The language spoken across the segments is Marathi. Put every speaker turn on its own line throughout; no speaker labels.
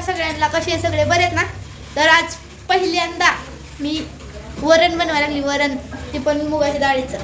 सगळ्यांना, कसे सगळे बरेत ना. तर आज पहिल्यांदा मी वरण बनवायला लागली. वरण ते पण मुगाच्या डाळीचं.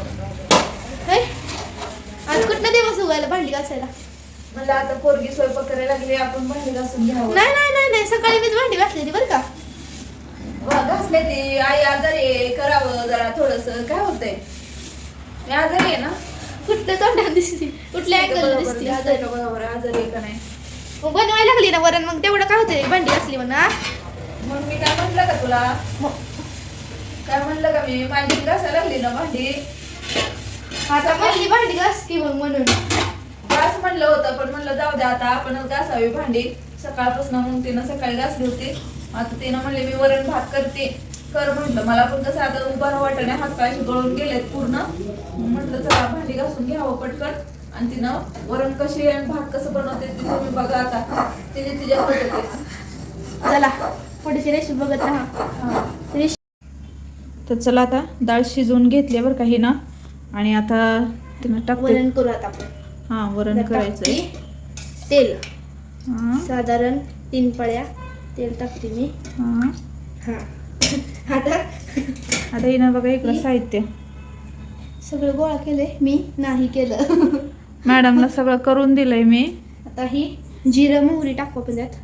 आज कुठनं दिवस उगायला भांडी घासायला.
मला आता पोरगी स्वयंपाक करायला लागली, आपण भांडी घासून घ्यावं.
नाही नाही नाही नाही, सकाळी मीच भांडी घासलेली बरं का.
घासले ती आई आजारी करावं जरा थोडस. काय होतंय, मी आजारी आहे ना.
कुठल्या तोंडात दिसते, कुठल्या अँगल दिसते आजारी.
बरोबर आजारी आहे का नाही.
मग बनवायला लागली ना वरण, मग तेवढं काय होतंय भांडी घासली म्हणा.
मग मी काय म्हटलं का तुला, काय म्हणलं का मी, माझी घासायला लागली ना भांडी.
आता पहिली भांडी घास की मग म्हणून
घास म्हणलं होतं, पण म्हणलं जाऊ द्या आता आपणच घासावी भांडी. सकाळपासून मग तिनं सकाळी घासली होती. आता तिनं म्हणले मी वरण भात करते, कर म्हटलं. मला पण कसं आता उभा वाटणे, हात पाय गळून गेलेत पूर्ण. म्हटलं चला भांडी घासून घ्यावं पटकन. आणि तिनं वरण कशी आणि भात कसं बनवते ते तुम्ही बघा आता. तिच्या पद्धतीने
चला पुढची रेसिपी बघत राहा.
तर चला आता डाळ शिजवून घेतली बरं काही ना. आणि आता तिनं टाकते
वरण करू आता आपण.
हा वरण करायचंय.
तेल
हा
साधारण 3 पळ्या तेल टाकते मी.
हा
आता
हिनं बघा इकडं साहित्य
सगळं गोळा केलंय, मी नाही केलं.
मॅडमला सगळं करून दिलंय मी.
आता ही जिरं मोहरी टाकू आपण त्यात.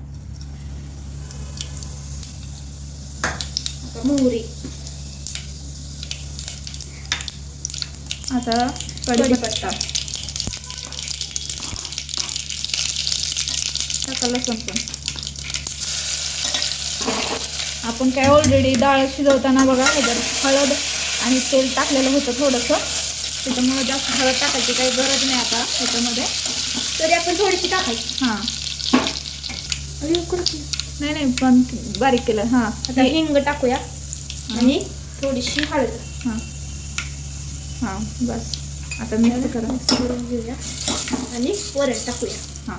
आता मोहरी,
आता कढीपत्ता टाका, लसूण पण. आपण काय ऑलरेडी डाळ शिजवताना बघा ह्याच्यात हळद आणि तेल टाकलेलं होतं थोडंसं, त्याच्यामुळे जास्त हळद टाकायची काही गरज नाही आता ह्याच्यामध्ये.
तरी आपण थोडीशी टाकायची.
हां
अरे
नाही पण बारीक केलं. हां
आता हिंग टाकूया आणि थोडीशी हळद.
हां बस आता मिक्स
करून घेऊया आणि वरण टाकूया.
हां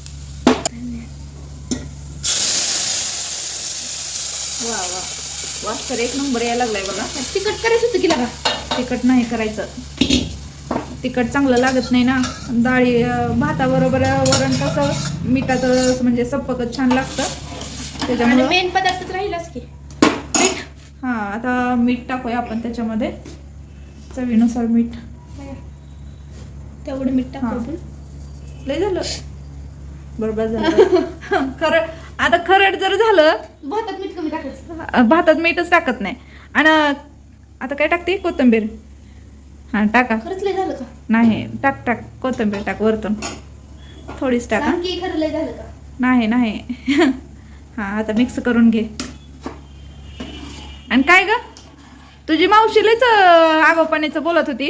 वा वा वास तर एक नंबर यायला लागलाय बघा.
तिखट करायचं होतं की लागा.
तिखट नाही करायचं, तिखट चांगलं लागत नाही ना. डाळी भाताबरोबर वरण कसं मिठाचं म्हणजे सप्पकच छान लागतं त्याच्यामुळे.
मेन पदार्थ राहिलाच की मीठ.
हां आता मीठ टाकूया आपण त्याच्यामध्ये, चवीनुसार मीठ.
तेवढं मीठ टाकू आपण.
लय झालं बरोबर झालं. खरं आता खरड जर झालं,
भातात मीठ कमी टाकायचं.
भातात मीठच टाकत नाही. आणि आता काय टाकते, कोथिंबीर. हां टाका.
खरंच लय झालं का.
नाही टाक कोथिंबीर टाक वरतून थोडीच टाका.
खरं लय झालं का.
नाही हां आता मिक्स करून घे. आणि काय ग, तुझी मावशीलेच आगोपणीचं बोलत होती.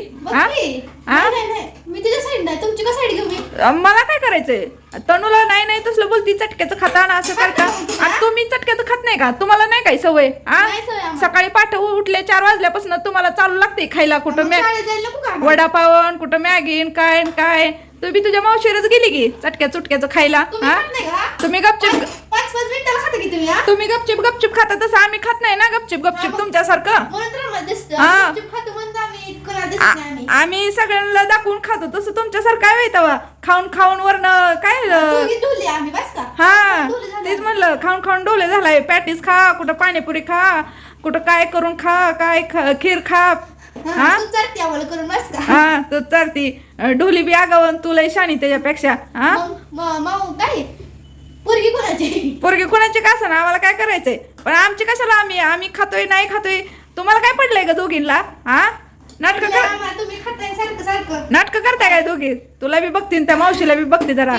मी तुझ्या साईड नाही, तुमची का साईड घेऊ मी.
मला काय करायचंय, तनुला नाही तसलं बोलती, चटक्याचं खाता ना असं करता. आणि तुम्ही चटक्याचं खात नाही का, तुम्हाला नाही काही सवय. सकाळी पाठ उठले 4 वाजल्यापासून तुम्हाला चालू लागते खायला. कुठं वडापावन, कुठं मॅगीन, काय तुम्ही तुझ्या मावशीरच गेली की चटक्या चुटक्याचं खायला. तुम्ही गपचिप
5-5 मिनिटाला खाता की तुम्ही.
तुम्ही गपचिप खाता, तसं आम्ही खात नाही ना गपचिप तुमच्यासारखं. आम्ही सगळ्यांना दाखवून खातो, तसं तुमच्यासारखं काय तवा खाऊन वरण काय. हा तेच म्हणलं, खाऊन डोले झालाय. पॅटीस खा, कुठं पाणीपुरी खा, कुठं काय करून खा, खीर खा. हा तू चालती ढोली बी आगावन, तुला शाणी त्याच्यापेक्षा. पोरगी कोणाची का असं ना, आम्हाला काय करायचंय. पण आमची कशाला, आम्ही खातोय नाही खातोय, तुम्हाला काय पडलंय का दोघींना. हा नाटक करताय काय दोघी. तुला बी बघते त्या मावशीला बी बघते जरा.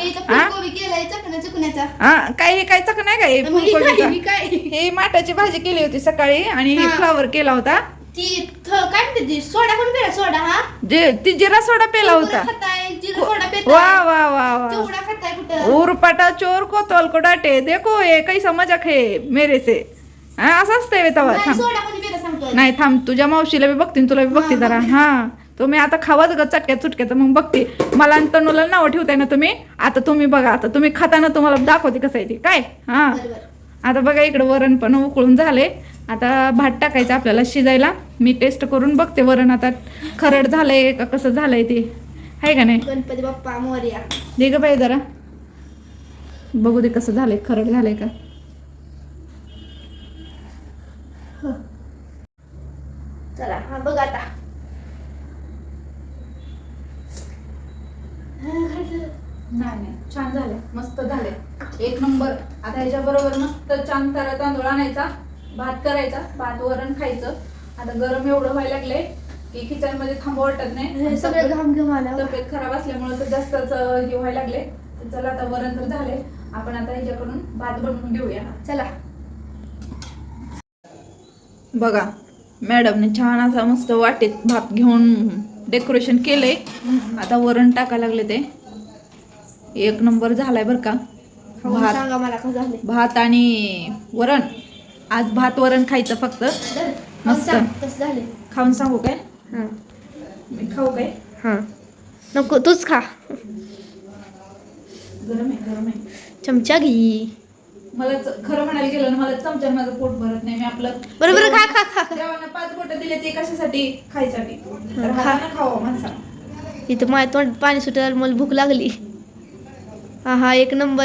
काय चक नाही काय फुलकोबीचा. हे माठाची भाजी केली होती सकाळी आणि फ्लावर केला होता.
सोडा कोण पेला. सोडा हा
ती जिरा सोडा पेला होता. वाह वाह वाह उरपाटा चोर को तोल को डाटे, देखो ये कैसा मजाक है मेरे से. असं असतंय तवा. नाही थांब, तुझ्या मावशीला बी बघते तुला बी बघते जरा. हा तुम्ही आता खावाच ग चटक्यात मग बघते. मला आणि तनुला नाव ठेवताय ना तुम्ही. आता तुम्ही बघा, आता तुम्ही खाताना तुम्हाला दाखवते कसं आहे ते काय. हा आता बघा इकडं वरण पण उकळून झाले. आता भात टाकायचं आपल्याला शिजायला. मी टेस्ट करून बघते वरण आता खरड झालंय का कसं झालंय ते, आहे का नाही.
गणपती बाप्पा मोरया.
दे ग बाई जरा बघू दे कसं झालंय, खरड झालंय का. झाले एक नंबर. आता ह्याच्या बरोबर मस्त छान तरा तांदूळ आणायचा, भात करायचा, भात वरण खायचं. आता गरम एवढं व्हायला लागले की किचन मध्ये थांबा वाटत नाही.
सगळं घाम घेऊन आला.
तब्येत खराब असल्यामुळे तर जास्तच हे व्हायला लागले. तर चला आता वरण तर झाले, आपण आता ह्याच्याकडून भात बनवून घेऊया.
चला.
बघा मॅडमने छान असा मस्त वाटेत भात घेऊन डेकोरेशन केलंय. आता वरण टाकायला लागले ते. एक नंबर झालाय बर का. भात
सांगा मला कसं झाले.
भात आणि वरण. आज भात वरण खायचं फक्त. मस्त
कसं झाले
खाऊन सांगू काय?
हां
मी खाऊ काय?
हां नको तूच खा.
गरम आहे गरम आहे.
चमचा घे.
मला खरं म्हणायला गेलं ना, मला चमच्याने माझं पोट भरत नाही. मी आपलं
बरोबर खा खा खा.
देवानं 5 बोटं दिले ते कशासाठी? खायसाठी. तर
खा.
हातानं खावं माणसानं.
इथं माझ्या तोंड पाणी सुटायला मला भूक लागली. हा एक नंबर.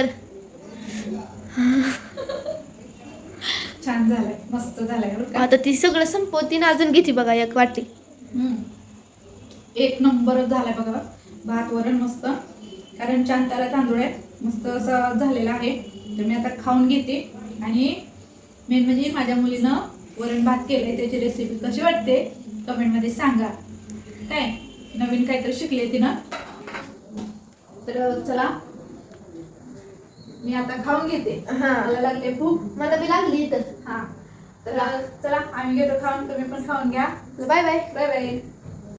छान झालंय, मस्त झालंय बरं का.
आता ती सगळं संपवती ना अजून घेते बघा एक वाटी.
एक नंबरच झालाय बघा भात वरण मस्त. कारण छान त्याला तांदूळ आहे, मस्त असं झालेला आहे. तर मी आता खाऊन घेते. आणि मेन म्हणजे माझ्या मुलीनं वरण भात केलंय, त्याची रेसिपी कशी वाटते कमेंट मध्ये सांगा. काय नवीन काहीतरी शिकले तिनं. तर चला मी आता खाऊन घेते. मला लागते भूक.
मला बी लागली इथं.
हा तर चला आम्ही घेतो खाऊन, तुम्ही पण खाऊन घ्या.
Bye bye.
Bye bye.